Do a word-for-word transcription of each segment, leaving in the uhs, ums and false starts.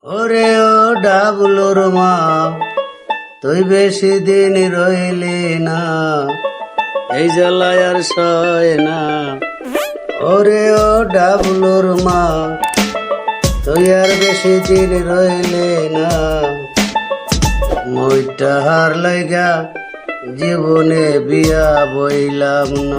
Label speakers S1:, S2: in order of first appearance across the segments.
S1: ওরে ও ডাবলুর মা, তুই বেশি দিন রইলি না, এই জ্বালায় আর সয় না। ওরে ও ডাবলুর মা, তুই আর বেশি দিন রইলি না, মইটা হার লাইগা জীবনে বিয়া বইলাম না।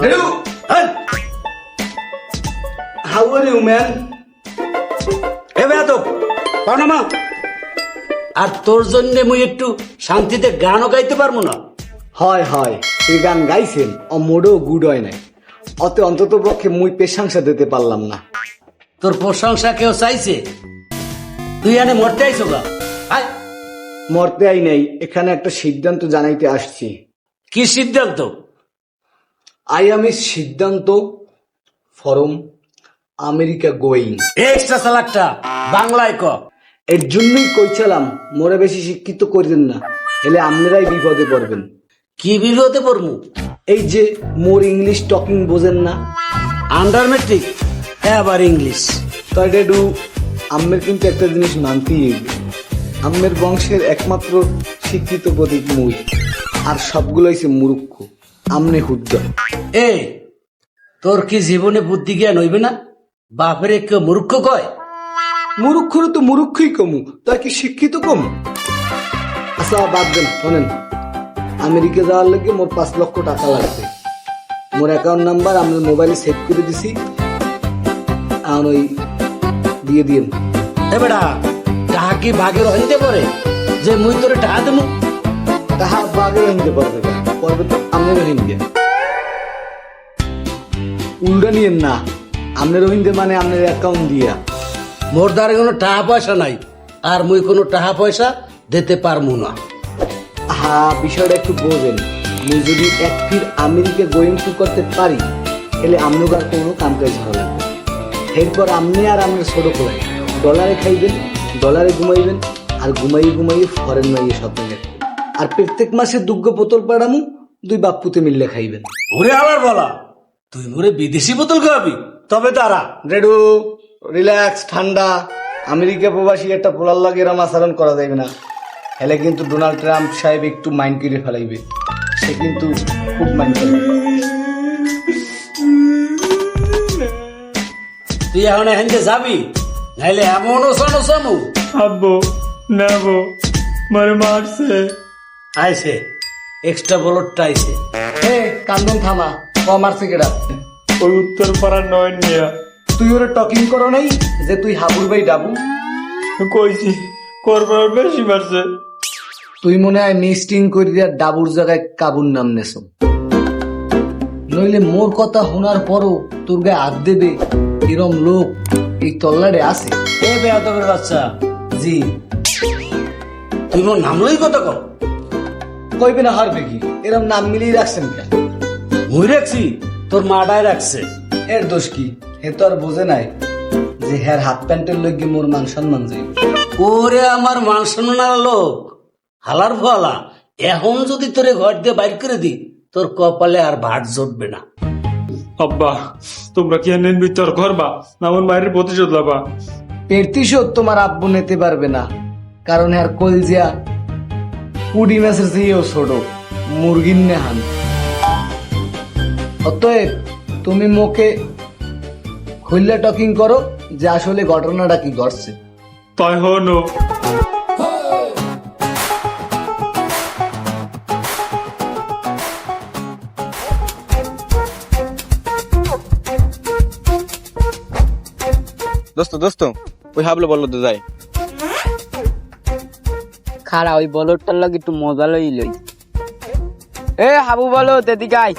S2: How are you, man?
S1: এ বেয়াদব, পাও মা। আর তোর জন্য মুই একটু শান্তিতে গানও গাইতে পারবো না।
S2: হয় হয় এই গান গাইছেন ও মোড়েও গুড হয় নাই, অত অন্তত পক্ষে মুই প্রশংসা দিতে পারলাম না।
S1: তোর প্রশংসা কেউ চাইছে? তুই এনে মরতে আইছো গা? আয়।
S2: মরতে আই নাই, এখানে একটা সিদ্ধান্ত জানাইতে আসছি।
S1: কি সিদ্ধান্ত?
S2: আই আমি সিদ্ধান্ত ফরম আমেরিকা গোয়িং।
S1: এক্সট্রা সালাকটা বাংলায় ক।
S2: এর জন্যই কইছিলাম মোরে বেশি শিক্ষিত করিলেন না, এলে আপনারাই বিপদে পড়বেন।
S1: কি বিরোধে পড়মু?
S2: এই যে মোর ইংলিশ টকিং বোঝেন না,
S1: আন্ডার মেট্রিক আবার ইংলিশ।
S2: তাই ডেডু আম্মের কিন্তু একটা জিনিস মানতেই হইবে, আম্মের বংশের একমাত্র শিক্ষিত প্রতীক মুই, আর সবগুলো হইছে মূর্খ। আমনে হুদ্দ।
S1: এ তোর কি জীবনে বুদ্ধি জ্ঞান হইবে না? বাপরে কেউ মূর্খ কয়?
S2: মূর্খরও তো মূর্খই কমু, তাই কি শিক্ষিত কম? আচ্ছা বাদ দেন, শোনেন, আমেরিকা যাওয়ার লাগে মোর পাঁচ লক্ষ টাকা লাগবে। মোর অ্যাকাউন্ট নাম্বার আমি মোবাইলে সেভ করে দিছি, আর ওই দিয়ে দিন।
S1: এ বেটা, টাহা কি ভাগের হইতে পারে যে মুই তোরে টাহা দেবো?
S2: তাহা বাগে হিনতে পারবে না, পারবে তো আমনের হিন্দে। উল্টা নিয়েন না, আমনের হিন্দে মানে আমনের অ্যাকাউন্ট দিয়া।
S1: মোর দ্বারা কোনো টাকা পয়সা নাই, আর মুই কোনো টাকা পয়সা দিতে পারবো না।
S2: হা, বিষয়টা একটু বোঝেন। মুই যদি এক ফির আমেরিকা গোয়িং টু করতে পারি, তাহলে আমনুক আর কোনো কাম কাজ ভালো লাগবে। এরপর আমনি আর আমনের ছোট করে ডলারে খাইবেন, ডলারে ঘুমাইবেন, আর ঘুমাইয়ে ঘুমাইয়ে ফরেন মাইয়ে স্বপ্ন দেখবেন। আর প্রত্যেক মাসে দুগ্গ বোতল পাড়ামু, দুই বাপ্পুতে মিললে খাইবেন।
S1: ওরে আবার বলা, তুই মোরে বিদেশি বোতল খাওয়াবি? তবে তারা
S2: রেডু রিল্যাক্স, ঠান্ডা। আমেরিকা প্রবাসী একটা পোলার লাগে এরম আচরণ করা যাবে না, হেলে কিন্তু ডোনাল্ড ট্রাম্প সাহেব একটু মাইন্ড করে ফেলাইবে। সে কিন্তু খুব মাইন্ড করবে।
S1: তুই এখন এখানে যাবি, নাইলে এমন ওসানো সামু।
S3: আব্বু না বো, মারে মারছে।
S1: আইসে এক্সট্রা বলটটা আইসে।
S2: হে কান্দন থামা, কম আর সিগারেট।
S3: ওই উত্তর পাড়ার নয় নিয়া
S2: তুই ওরা টকিং করো নাই যে তুই হাবুর ভাই ডাবু?
S3: কইছি করবার বেশি মারছে।
S2: তুই মনে হয় মিস্টিং করি দিয়া ডাবুর জায়গায় কাবুর নাম নেছো। নইলে মোর কথা শোনার পরও তোর গায়ে হাত দেবে এরম লোক এই তল্লারে আছে?
S1: এ বেয়াদবের বাচ্চা, জি তুই মোর নাম লই কত কর?
S2: কইবে না হারবে কি? এরম নাম মিলিয়ে রাখছেন কেন?
S1: মুই রাখছি, তোর মাডায় রাখছে।
S2: এর দোষ কি? হে তো আর বোঝে নাই যে হ্যার হাত প্যান্টের লইগে মোর মান সম্মান যাই।
S1: ওরে আমার মান সম্মানের লোক, হালার ফলা, এখন যদি তোরে ঘর দিয়ে বাইর করে দি, তোর কপালে আর ভাট জুটবে না।
S3: আব্বা তোমরা কি এনে ভিতর করবা না আমার মায়ের প্রতিশোধ লাবা?
S2: প্রতিশোধ তোমার আব্বু নিতে পারবে না, কারণ হ্যার কলজিয়া কুড়ি মাসের চেয়েও ছোট, মুরগির নেহান। অতএব তুমি মোকে খুললে টকিং করো যে আসলে ঘটনাটা কি ঘটছে।
S3: তাই হনো
S4: দোস্ত দোস্ত ওই হাবলো বললো তো যাই।
S5: খারা ওই বলরটার লাগে একটু মজা লই লই। এ হাবু বলো এদিকে আয়।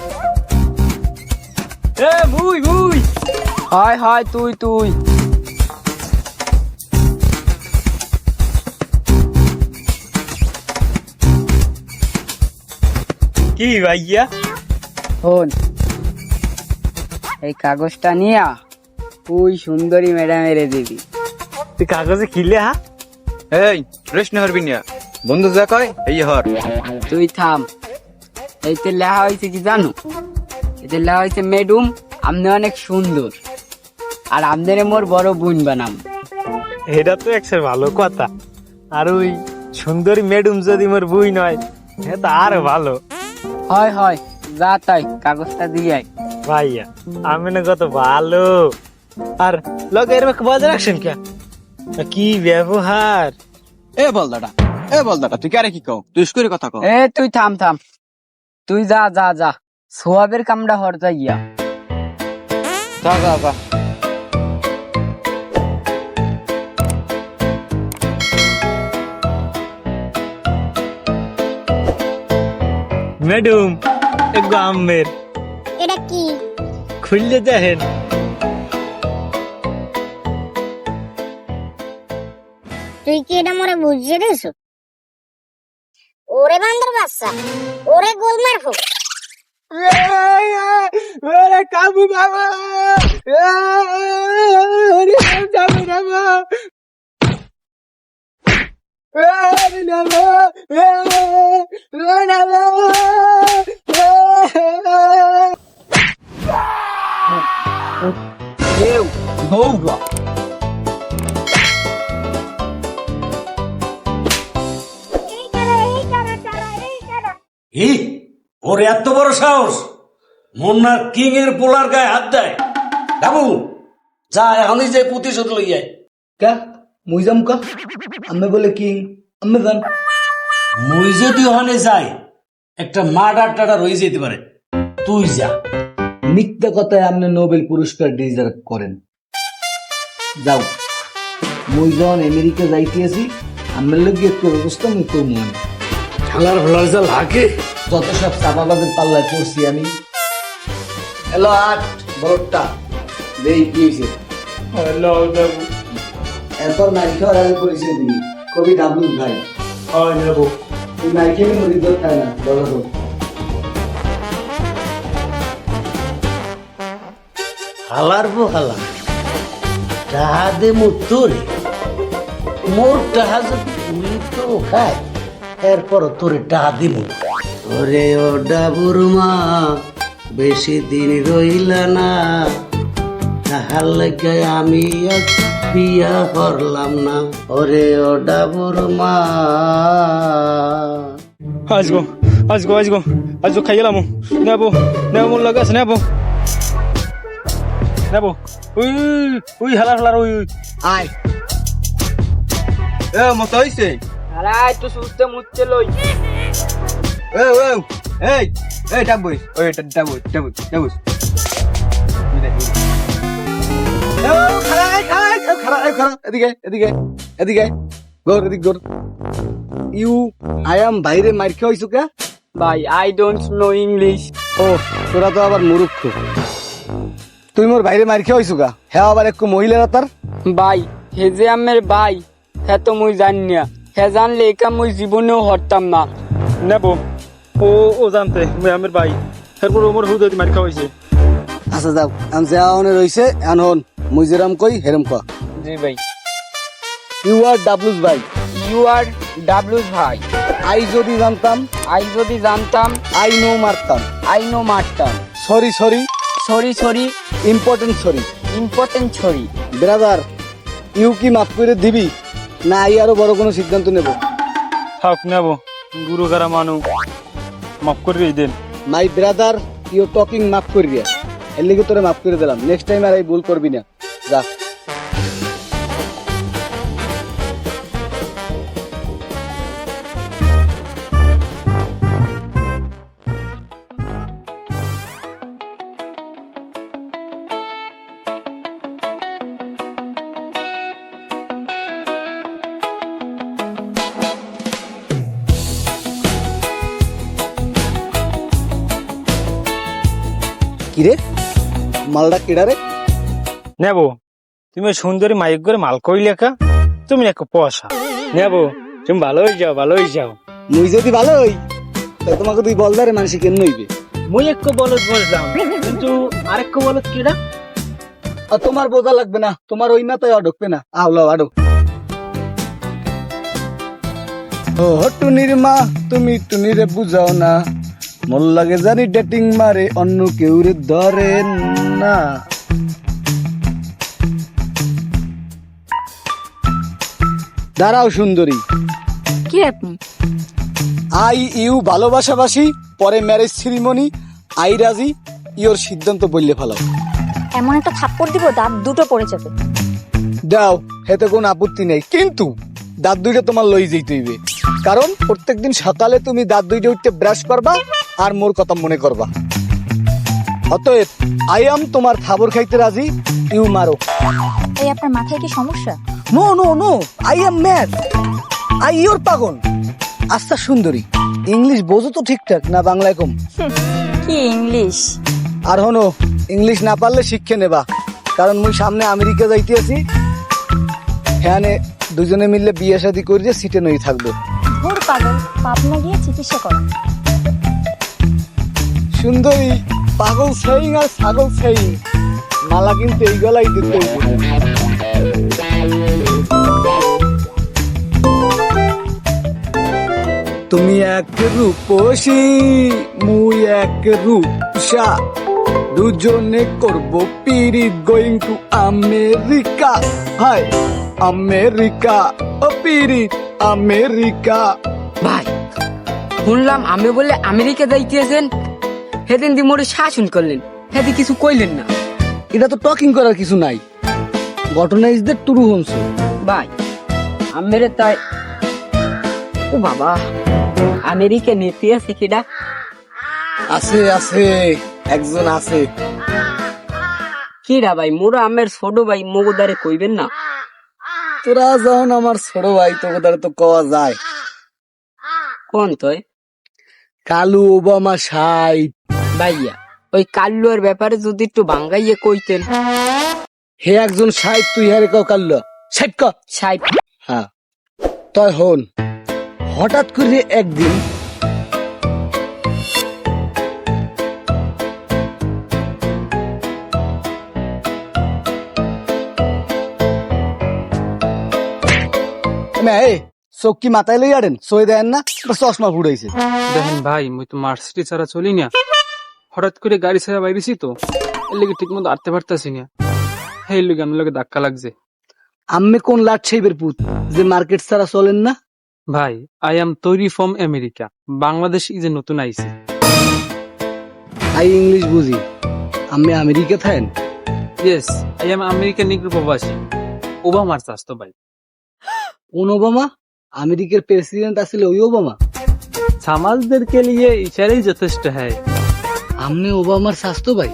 S5: এ মুই মুই হয় হয় তুই তুই
S3: কি ভাইয়া?
S5: শোন, এই কাগজটা নিয়া তুই সুন্দরী ম্যাডামের দিবি।
S3: তুই কাগজে কিলে হা?
S4: এই রেস্ট হরবি না, বন্ধু যা কয় এই হর।
S5: তুই থাম। এইতে লেখা হয়েছে কি জানো? এতে লেখা হয়েছে ম্যাডাম আপনি অনেক সুন্দর, আর আপনারে মোর বড় বোন বানাম।
S6: এটা তো একটা ভালো কথা। আর ওই সুন্দরী ম্যাডাম যদি মোর বই নয়, হ্যাঁ তা আরো ভালো।
S5: হয় হয়, যা তাই কাগজটা দিয়ে আয়।
S6: ভাইয়া আমি না কত ভালো। আর লগে এরকম বজায় রাখছেন কে? কি ব্যবহার!
S4: এ বল দাদা, এ বল দাদা, তুই কারে কি কও? তুই করে কথা কও।
S5: এ তুই থাম থাম, তুই যা যা যা, সোয়াবের কামড়া হর যা ইয়া।
S4: যা যা যা।
S6: ম্যাডাম এগো আমের
S7: এটা কি?
S6: খুললে দেখেন।
S7: তুই কি এটা মরে বুঝিয়ে দিস? ওরে বান্দর বাচ্চা, ওরে গোলমার হোক।
S6: ওরে কাবু বাবা, ওরে যাবে না বাবা, ওরে না বাবা, ওরে না বাবা।
S2: কেউ দৌড়া।
S7: এই কারা, এই কারা, কারা, এই কারা।
S1: হি ওর এত বড় সাহস, মুন্নার কিং এর পোলার গায়ে হাত দেয়। বাবু যা, এখনই যে প্রতিশোধ লইয়ায়।
S2: কা মুই যাম কা? আমি বলে কিং, আমি যান।
S1: মুই যদি ওখানে যাই, একটা মার্ডার টাডার হয়ে যেতে পারে। তুই যা।
S2: মিথ্যা কথায় আপনি নোবেল পুরস্কার ডিজার্ভ করেন। যাও, মুই যখন আমেরিকা যাইতেছি, আমার লোক একটু ব্যবস্থা মুই করবো। আমি
S1: খেলার ভোলার যা লাগে।
S2: যত সব চাপাবাজের পাল্লায় পড়ছি আমি। হ্যালো আট বড়টা দেই কি হয়েছে?
S3: হ্যালো যাবো,
S2: এরপর নাই খাওয়ার আগে পরিচয় দিবি। কবি ডাবলু ভাই।
S3: হয় যাবো।
S2: তুই নাই খেলে মরি দর খায় না, বলো তো।
S1: হালার বো হালা, টাহা দে মোর তোরে। মোর টাহা যদি তুই তো খায়, এরপর তোরে টাহা দিব। ওরে ও ডাবুর মা, বেশি দিন রইলা না, তাহার লাগে আমি আজ বিয়া করলাম না। ওরে ও ডাবুর মা।
S3: আসগো আসগো আসগো আসগো খাই গেলাম। নেবো নেবো, মোর লাগে আছে, নেবো নেবো। উই উই হালার হালার উই উই।
S2: আয়
S4: এ মত হইছে।
S5: আরে একটু সুস্থে মুচ্ছে লই।
S4: এ ও এই এই ডাবুই, ওই এটা ডাবুই ডাবুই ডাবুই।
S2: খারাপ খারাপ খারাপ খারাপ এদিকে এদিকে এদিকে গোর এদিক গোর। ইউ আই এম বাইরে মার খেয়ে হইছো কে?
S5: ভাই আই ডোন্ট নো ইংলিশ।
S2: ও তোরা তো আবার মুরুক্ষ। তুই মোর বাইরে মার খেয়ে হইছো গা? হ্যাঁ আবার একটু মহিলারা তার।
S5: ভাই হে যে আমের ভাই, হ্যাঁ তো মুই জানি না। হ্যাঁ জানলে একা মুই জীবনেও হরতাম না।
S3: নেবো ও ও জানতে মুই আমের ভাই, এরপর ওমর হুদ মারি খাওয়াইছে।
S2: আচ্ছা যাও, আমি যা অনে রইছে এন হন। মুই যেরাম কই হেরম কা।
S5: জি ভাই।
S2: ইউ আর ডাবলুস ভাই।
S5: ইউ আর ডাবলুস ভাই।
S2: আই যদি জানতাম,
S5: আই যদি জানতাম,
S2: আই নো মারতাম।
S5: আই নো মারতাম।
S2: Sorry sorry,
S5: sorry sorry,
S2: important sorry.
S5: Important sorry.
S2: Brother you কি মাফ করে দিবি, না আই আরো বড় কোনো সিদ্ধান্ত নেব?
S3: থাক নেবো, গুরু গারা মানু, মাফ করে দেন।
S2: মাই ব্রাদার ইউ টকিং মাফ করিয়া, এর লিগে তোরে মাফ করে দিলাম। নেক্সট টাইম আর এই ভুল করবি না। যা। কিরে মালটা কেডা রে?
S6: নেবো তুমি ওই সুন্দরী মাইক করে মাল করি লেখা, তুমি এক পয়সা নেবো। তুমি ভালো হয়ে যাও, ভালো হয়ে যাও।
S2: মুই যদি ভালো হই, তাই তোমাকে তুই বলদারে মানুষ কেন নইবে?
S6: মুই এক বলত বসলাম, কিন্তু আরেক বলত কিরা।
S2: আর তোমার বোঝা লাগবে না, তোমার ওই না তাই ঢুকবে না। আহলো আডো। ও টুনির মা, তুমি টুনিরে বুঝাও না, মোর লাগে জানি ডেটিং মারে, অন্য কেউ রে ধরে না। দাঁড়াও সুন্দরী,
S7: কি আপনি?
S2: আই ইউ ভালোবাসাবাসি, পরে ম্যারেজ সেরিমনি, আই রাজি, ইওর সিদ্ধান্ত বললে ফেলাও।
S7: এমন একটা থাপ্পড় দিব দাঁত দুটো পড়ে যাবে।
S2: দাও, হেতে কোনো আপত্তি নেই, কিন্তু দাঁত দুইটা তোমার লই যেতে হইবে, কারণ প্রত্যেকদিন সকালে তুমি দাঁত দুইটা উঠতে ব্রাশ করবা আর মোর কথা মনে করবা। অতএব আই এম তোমার খাবার খাইতে রাজি, ইউ মারো।
S7: এই আপনার মাথায় কি সমস্যা?
S2: No no no, I am mad, I your পাগল। আচ্ছা সুন্দরী, ইংলিশ বোঝো তো ঠিকঠাক না বাংলায় কম?
S7: কি ইংলিশ?
S2: আর হনো, ইংলিশ না পারলে শিক্ষে নেবা, কারণ মুই সামনে আমেরিকা যাইতে আছি, হ্যাঁ দুজনে মিললে বিয়ে শাদী করিয়ে সিটে নই থাকবো।
S7: ভোর পাগল, পাবনা গিয়ে চিকিৎসা করো।
S2: সুন্দরী, পাগল সেইং আর ছাগল সেইং, মালা কিন্তু এই গলাই দিতে হইবে। তুমি এক রূপসী, মুই এক রূপসা, দুজনে করব পিরিত, going to America. Hi America, ও পিরিত আমেরিকা।
S5: ভাই শুনলাম আমি বলে আমেরিকা যাইতেছেন, সেদিন দি মোরে শাসন করলেন, সেদি কিছু কইলেন না।
S2: এটা তো টকিং করার কিছু নাই, ঘটনা ইজ দ্য ট্রু হোমস।
S5: ভাই আমেরে তাই, ও বাবা, আমেরিকা নিতে আছে কিডা?
S2: আছে আছে, একজন আছে।
S5: কিডা ভাই? মোরা আমের ছোট ভাই, মগদারে কইবেন না?
S2: তোরা যখন আমার ছোট ভাই, তোদের তো কওয়া যায়।
S5: কোন তয়?
S2: Kalu Obama side.
S5: ভাইয়া ওই কাল্লুর ব্যাপারে যদি একটু বাঙ্গাইয়ে কইতেন।
S2: হে একজন সাইড, তুই হারে কাও কাল্লু সাইড ক।
S5: সাহেব
S2: হ্যাঁ, তই হন, হঠাৎ করে একদিন চোখ কি মাথায় লই আড়েন, সই দেন না, চশমা ফুড়াইছে।
S8: দেখেন ভাই, মুই তো মার্সিটি ছাড়া চলি না, হঠাৎ করে গাড়ি ছাড়া বাইরেছি তো, এর লেগে ঠিক মতো আটতে পারতাছি না, এই লেগে আমার লগে ধাক্কা লাগছে।
S2: আম্মে কোন লাট সাইবের পুত যে মার্কেট ছাড়া চলেন না?
S8: ভাই আই এম তৈরি from America, Bangladesh is a নতুন আইসি।
S2: আই ইংলিশ বুঝি, আমি আমেরিকা থাকেন?
S8: Yes, I am American negro প্রবাসী, ওবামার চাস্তো ভাই।
S2: কোন ওবামা? আমেরিকার প্রেসিডেন্ট আছিল ওই ওবামা?
S8: সমাজদেরকে লিয়ে ইশারাই যথেষ্ট হয়।
S2: আমনে ওবামার স্বাস্থ্য ভাই?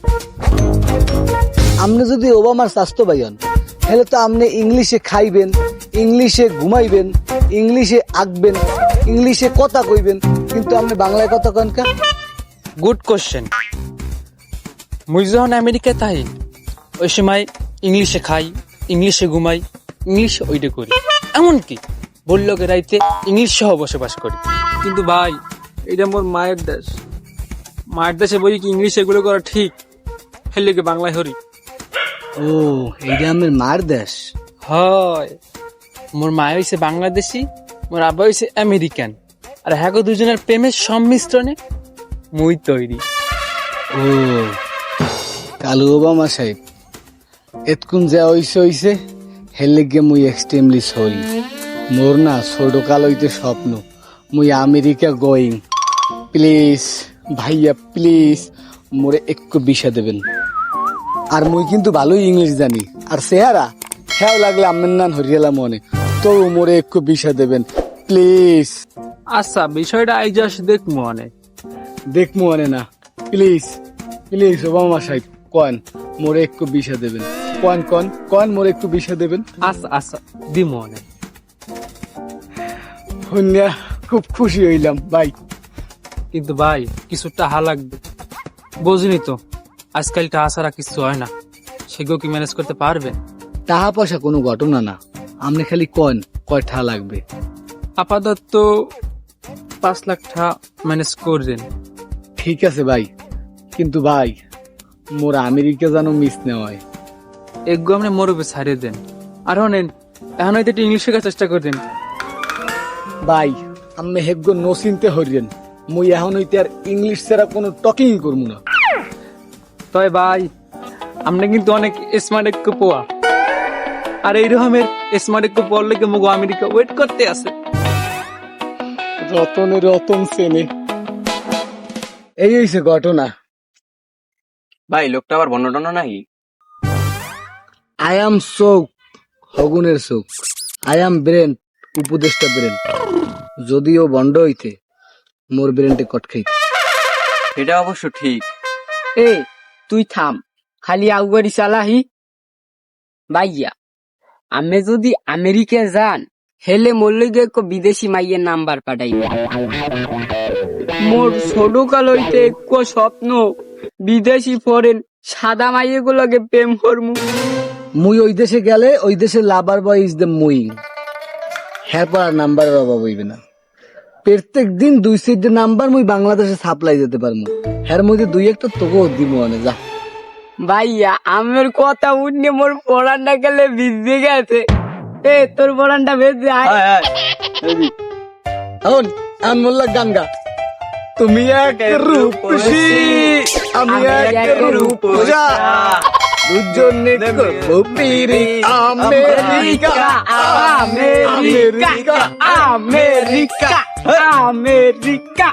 S2: আমনে যদি ওবামার স্বাস্থ্য ভাই হন, তাহলে তো আমনে ইংলিশে খাইবেন, ইংলিশে ঘুমাইবেন, ইংলিশে আঁকবেন, ইংলিশে কথা কইবেন, কিন্তু আপনি বাংলায় কথা কন কা?
S8: Good question. মুই যখন আমেরিকায় তাই ওই সময় ইংলিশে খাই, ইংলিশে ঘুমাই, ইংলিশে ওইটা করি, এমনকি বললোকে রাইতে ইংলিশ সহ বসবাস করি। কিন্তু ভাই এটা মোর মায়ের দেশ, মায়ের দেশে বই কি ইংলিশ এগুলো করা ঠিক, হেলে কি বাংলায় হরি?
S2: ও, এইটা আমার মার দেশ?
S8: হয়, মোর মায় হইছে বাংলাদেশি, মোর আব্বা হইছে আমেরিকান, আর হ্যাঁ দুজনের প্রেমের সংমিশ্রণে মুই তৈরি।
S2: ও, কালু ওবামা সাহেব, এতকুন যা হইছে হইছে, হেলে গিয়ে মুই এক্সট্রিমলি সরি। মোর না ছোট কাল হইতে স্বপ্ন মুই আমেরিকা গোয়িং। প্লিজ ভাইয়া, প্লিজ মোরে একটু বিষা দেবেন। আর মুই কিন্তু ভালোই ইংলিশ জানি, আর চেহারা হ্যাঁ লাগলে আমের নান হরিয়ালা মনে, তো মোরে একটু বিষা দেবেন প্লিজ।
S8: আচ্ছা, বিষয়টা আই জাস্ট দেখ মনে
S2: দেখ মনে না, প্লিজ প্লিজ ওবামা সাহেব কন মোরে একটু বিষা দেবেন, কন কন কন মোরে একটু বিষা দেবেন।
S8: আচ্ছা আচ্ছা দি মনে।
S2: শুনিয়া খুব খুশি হইলাম ভাই।
S8: কিন্তু ভাই কিছু টাহা লাগবে, বুঝলি তো আজকাল টাহা ছাড়া কিছু হয় না, সেগুলো কি ম্যানেজ করতে পারবেন?
S2: টাকা পয়সা কোনো ঘটনা না, আপনি খালি কন কয় ঠা লাগবে।
S8: আপাতত পাঁচ লাখ টাকা ম্যানেজ করবেন।
S2: ঠিক আছে ভাই, কিন্তু ভাই মোর আমেরিকা যেন মিস না হয়।
S8: এগো আপনি মরবে ছাড়িয়ে দেন, আর নেন এখন হয়তো একটু ইংলিশ শেখার চেষ্টা করবেন।
S2: ভাই আমি হেগ্য নো চিনতে হরিয়েন, মুই এখন হইতে আর ইংলিশ ছাড়া কোনো টকিং করবো না।
S8: তবে ভাই আপনি কিন্তু অনেক স্মার্ট একটু পোয়া, আর এই রকমের স্মার্ট একটু পড়লে কি মুগো আমেরিকা ওয়েট করতে আছে।
S2: রতনে রতন সেনে, এই হইছে ঘটনা।
S4: ভাই লোকটা আবার বন্য টন্য নাকি?
S2: আই এম চোখ, হগুনের চোখ। আই এম ব্রেন, উপদেষ্টা ব্রেন। যদিও বন্ড হইতে মোর ব্রেনটে কট খাই।
S4: এটা অবশ্য ঠিক।
S5: এ তুই থাম, খালি আউগারি চালাহি। ভাইয়া আমি যদি আমেরিকা যান হেলে মরলে গিয়ে বিদেশি মাইয়ের নাম্বার পাঠাইবে। মোর ছোট কাল হইতে এক স্বপ্ন বিদেশি ফরেন সাদা মাইয়ে গুলোকে প্রেম করমু।
S2: মুই ওই দেশে গেলে ওই দেশে লাভার বয় ইজ দ্য মুই। হ্যাঁ পর নাম্বারের অভাব হইবে না। প্রত্যেক দিন দুই সিট নাম্বার মুই বাংলাদেশে সাপ্লাই দিতে পারবো। হ্যার মধ্যে দুই একটা তোকেও দিব অনে যা।
S5: ভাইয়া আমার কথা উঠলে মোর পড়ানটা গেলে ভিজে গেছে। এ তোর পড়ানটা ভেজে আয়।
S2: এখন আমি বললাম গান গা। তুমি এক রূপসী, আমি এক রূপসা, দুজনে করবো পিরি। America
S5: America America America.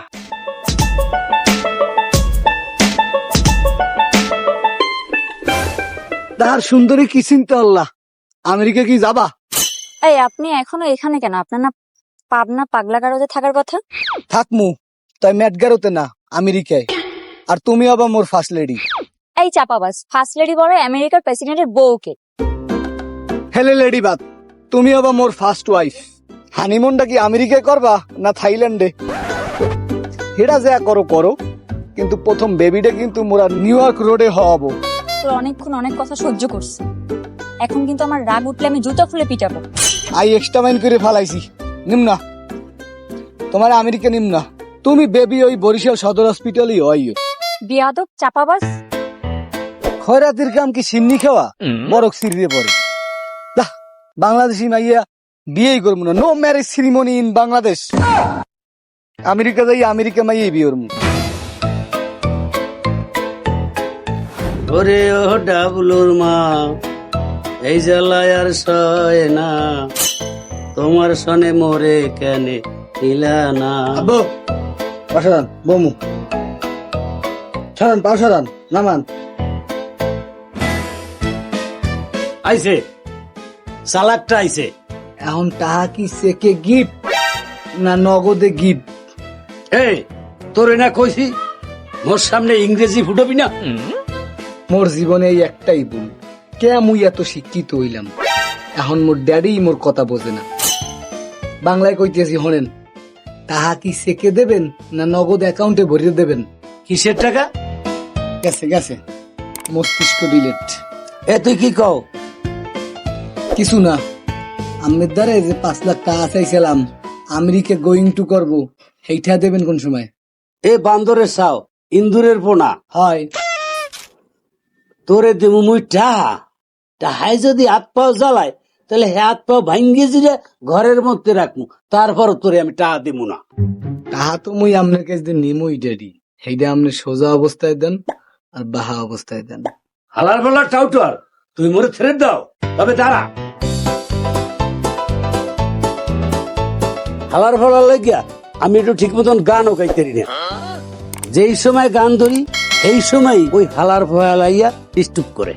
S2: তাহার সুন্দরী কি চিন্তা আল্লাহ, আমেরিকা কি যাবা?
S7: এই আপনি এখনো এখানে কেন? আপনার না পাবনা পাগলা গারদে থাকার কথা?
S2: থাকমু, তাই ম্যাটগারোতে না আমেরিকায়। আর তুমি আবার মোর ফার্স্ট লেডি।
S7: এই চাপাবাস, ফার্স্ট লেডি বড় আমেরিকার প্রেসিডেন্টের বউকে।
S2: হেলে লেডি বাদ, তুমি আবার মোর ফার্স্ট ওয়াইফ। হানিমুনটা কি আমেরিকায় করবা না থাইল্যান্ডে? হেরা যা করো করো, কিন্তু প্রথম বেবিটা কিন্তু মোরা নিউ ইয়র্ক রোডে হওয়াবো।
S7: তোর অনেকক্ষণ অনেক কথা সহ্য করছি, এখন কিন্তু আমার রাগ উঠলে আমি জুতা খুলে পিটাবো।
S2: আই এক্সট্রা মাইন করে ফালাইছি। নিম না, তোমার আমেরিকা নিম না। তুমি বেবি ওই বরিশাল সদর হসপিটালই হয়।
S7: বিয়াদব চাপাবাস।
S2: খয়রাতির কাম কি সিন্নি খাওয়া? বরক সিরিয়ে পড়ে। দাহ, বাংলাদেশি মাইয়া বিয়েই করবো না। No marriage ceremony in Bangladesh. America যাই আমেরিকা মাইয়াই বিয়ে করবো।
S1: ওরে ও ডাবলুর মা, এই জ্বালায় আর সয় না, তোমার সনে মোরে কেনে নিলা না।
S2: আব্বু পাশারান বমু ছাড়ান, পাশারান নামান।
S1: আইছে সালাকটা আইছে।
S2: এখন টাকা কি চেকে গিফট না নগদে গিফট?
S1: এই তোরে না কইছি মোর সামনে ইংরেজি ফুটবি না।
S2: মোর জীবনে এই একটাই ভুল, কে মুই এত শিক্ষিত হইলাম। এখন মোর ড্যাডি মোর কথা বোঝে না। বাংলায় কইতেছি হনেন, তাহা কি চেকে দেবেন না নগদ অ্যাকাউন্টে ভরিয়ে দেবেন?
S1: কিসের টাকা?
S2: গেছে গেছে, মস্তিষ্ক ডিলেট।
S1: এ তুই কি কও?
S2: কিছু না, আমের দ্বারা যে পাঁচ লাখ টাকা চাইছিলাম আমেরিকা গোয়িং টু করবো, সেইটা দেবেন কোন সময়?
S1: এ বান্দরের চাও, ইন্দুরের পোনা
S2: হয়।
S1: তোরে দেবো মুই টাহা। টাহাই যদি হাত পাও জ্বালায় তাহলে হাত পাও ভাঙ্গি জিরে ঘরের মধ্যে রাখবো, তারপর তোরে আমি টাহা দিব না।
S2: তাহা তো মুই আপনার কাছে নিমই ড্যাডি, সেইটা আপনি সোজা অবস্থায় দেন আর বাহা অবস্থায় দেন।
S1: হালার পালার টাউটার, তুই মোরে ছেড়ে দাও। তবে দাঁড়া, হালার ফালার লাগিয়া আমি একটু ঠিক মতন গানও গাইতে পারি না। যেই সময় গান ধরি এই সময় ওই হালার ফলাইয়া ডিস্টার্ব করে।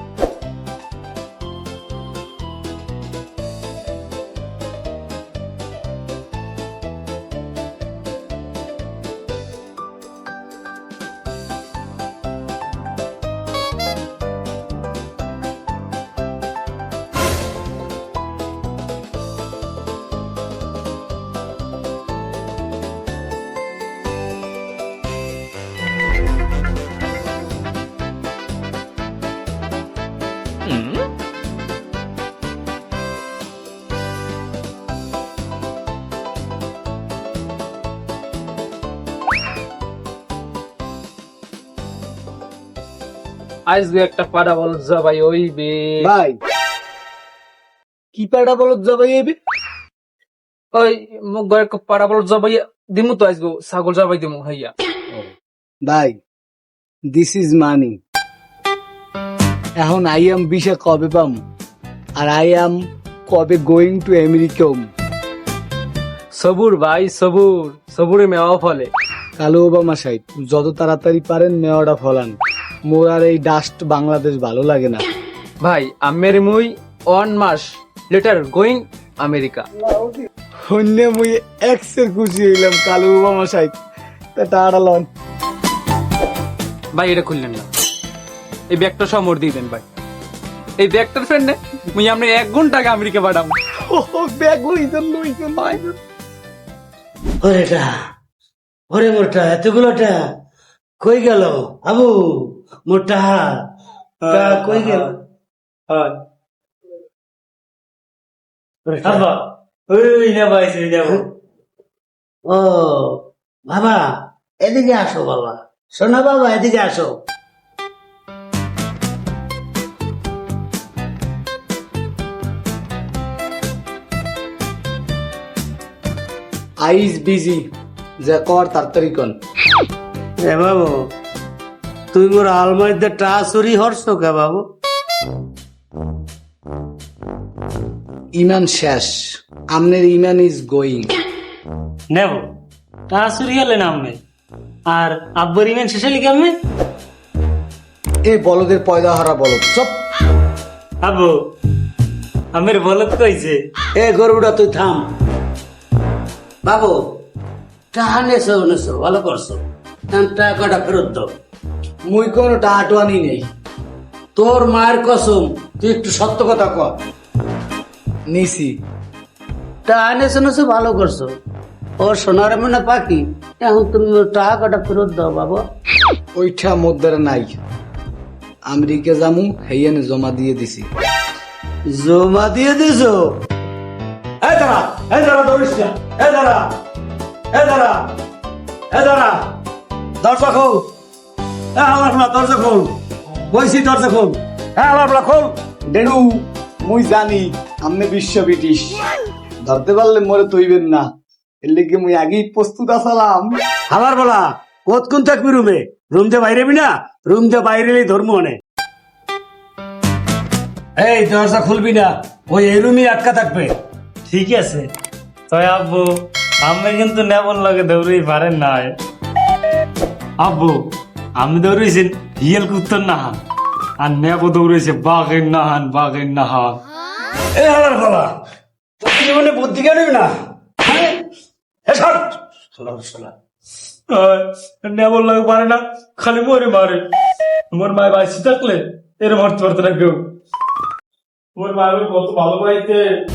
S8: আজ দু একটা পাড়া বল জবাই হইবে।
S2: ভাই কি পাড়া বলত যাবে এবি?
S8: ওই মুখ ঘরে পাড়া বল জবাই দিমু তো আজগো ছাগল জবাই দিমু হইয়া।
S2: ভাই দিস ইজ মানি। এখন আই এম বিশে কবে পাম? আর আই অ্যাম কবে গোয়িং টু আমেরিকা।
S8: সবুর ভাই সবুর, সবুরে মেওয়া ফলে।
S2: কালু ওবামা সাহেব যত তাড়াতাড়ি পারেন মেওয়াটা ফলান, মোর আর এই ডাস্ট বাংলাদেশ ভালো লাগে না।
S8: ভাই আমের মুই ওয়ান মাস লেটার গোয়িং আমেরিকা।
S2: অন্য মুই একসে খুশি হইলাম কালু ওবামা সাহেব, তা টাড়া লন।
S8: ভাই এটা খুললেন না, এই ব্যাগটা সব মোর দিয়ে দেন ভাই। এই ব্যাগটার ফ্রেন্ডে মুই আপনি এক ঘন্টা আগে আমেরিকা পাঠাবো।
S2: ব্যাগ লইছেন লইছেন লইছেন।
S1: ওরেটা ওরে মোরটা এতগুলোটা কই গেল আবু? মোরটা টা কই গেল? ও বাবা এদিকে আসো, বাবা শোনা বাবা এদিকে আসো।
S2: আইস বিজি যা কর তাড়াতাড়ি কন।
S1: এ বাবু তুই মোর আলমারিতে টা চুরি হরছ কে বাবু?
S2: ইমান শেষ, আমনের ইমান ইজ গোয়িং।
S9: নেব তা চুরি হলে না আমি আর আব্বর ইমেন শেষে লিখে আমি
S2: এ বলদের পয়দা হারা বলদ চপ।
S9: আব্বু আমের বলত কইছে
S1: এ গরুটা তুই থাম বাবু। টাহা নেছো নেছো ভালো করছো, টাকাটা ফেরত দাও।
S2: মুই কোনো টাহাটুয়ানি নেই।
S1: তোর মায়ের কসম তুই একটু সত্য কথা কর।
S2: নিছি
S1: টাহা নেছো নেছো ভালো করছো। ও সোনার মনে পাখি, এখন তুমি ওর টাকাটা ফেরত দাও বাবা।
S2: ওইটা মোদ্দারে নাই, আমেরিকা জামু হেয়ানে জমা দিয়ে দিছি।
S1: জমা দিয়ে দিছো? এই দাঁড়া এই দাঁড়া দৌড়িস না, এই দাঁড়া এই দাঁড়া এই দাঁড়া, দরজা খোল। হ্যাঁ আমার দরজা খোল, বইছি দরজা খোল। হ্যাঁ আমার খোল।
S2: ডেনু মুই জানি আমনে বিশ্ব ব্রিটিশ, ধরতে পারলে মরে তৈবেন না, এর লেগে মুই আগেই প্রস্তুত আসালাম।
S1: আমার বলা কতক্ষণ থাকবি রুমে? রুম দিয়ে বাইরে না, রুম দিয়ে বাইরে ধর্ম অনেক। এই দরজা খুলবি না, ওই এই রুমই আটকা থাকবে।
S9: ঠিক আছে। তবে আব্বু আমি কিন্তু নেবল লাগে দৌড়েই পারেন না। আব্বু আমি দৌড়েছেন হিয়েল কুত্তর নাহান আর নেবো দৌড়েছে বাঘের নাহান বাঘের নাহান।
S1: এই আমার বলা তুই জীবনে বুদ্ধি কেন না? হ্যাঁ? এ সর, শোনা শোনা।
S3: নেবল লাগে পারে না, খালি মরে মারে। মোর মায় বাইসি থাকলে এর মারতে পারতো না কেউ। মোর মায়ের কত ভালো পাইতে।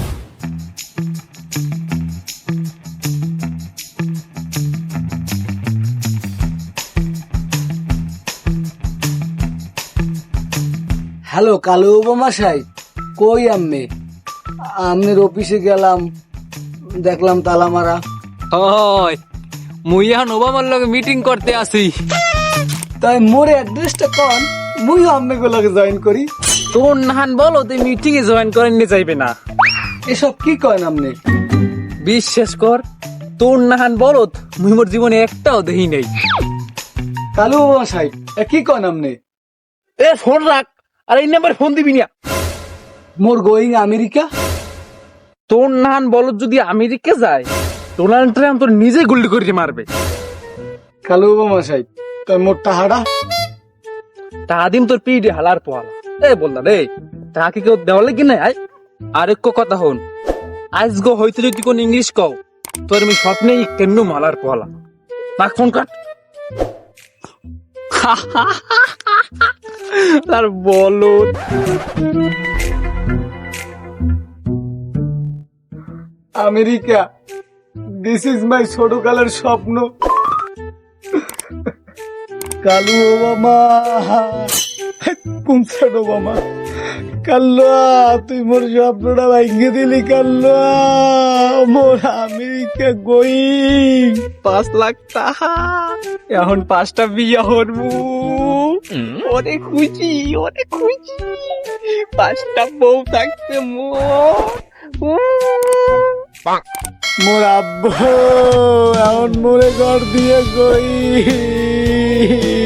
S2: হ্যালো কালু ওবামা সাহেব, কই আম্মে? আমনের অফিসে গেলাম, দেখলাম তালা মারা।
S8: হয় মুই এখন ওবামার লগে মিটিং করতে আসি।
S2: তাই মোর অ্যাড্রেসটা কন, মুই আম্মে গুলোকে জয়েন করি।
S8: তোর নাহান বলো তুই মিটিং এ জয়েন করেন নিয়ে যাইবে না।
S2: এসব কি কয় আমনে?
S8: বিশ্বাস কর তোর নাহান বলো মুই মোর জীবনে একটাও দেখি নেই।
S2: কালু ওবামা সাহেব এ কি কন আমনে?
S8: এ ফোন রাখ, আর এই নাম্বার ফোন দিবি না।
S2: মোর গোয়িং আমেরিকা।
S8: তোর নাহান বলো যদি আমেরিকা যায় ডোনাল্ড ট্রাম্প তোর নিজে গুলি করে মারবে।
S2: কালু ওবামা সাহেব তাই মোর টাহাড়া
S8: টাকা দিম তোর পিঠে হালার পোয়ালা। এ বললা রে টাকা কি কেউ দেওয়ালে কি নাই? আর এক কথা হন, আজ গো হয়তো যদি কোন ইংলিশ কও তোর আমি স্বপ্নেই কেন মালার পোয়ালা। রাখ ফোন কাট। আর বলো
S2: আমেরিকা, দিস ইজ মাই ছোটকালের স্বপ্ন। কালু ওবামা, কোন ছোট ওবামা? কাল্লা তুই মোর স্বপ্নটা ভাঙিয়ে দিলি। কাল্লা মোর আমেরিকা গোয়িং।
S8: পাঁচ লাখ টাকা এখন পাঁচটা বিয়া হরবো। অনেক খুশি অনেক খুশি, পাঁচটা বউ থাকছে মোর।
S2: মোর আব্বু এখন মোরে ঘর দিয়ে গই।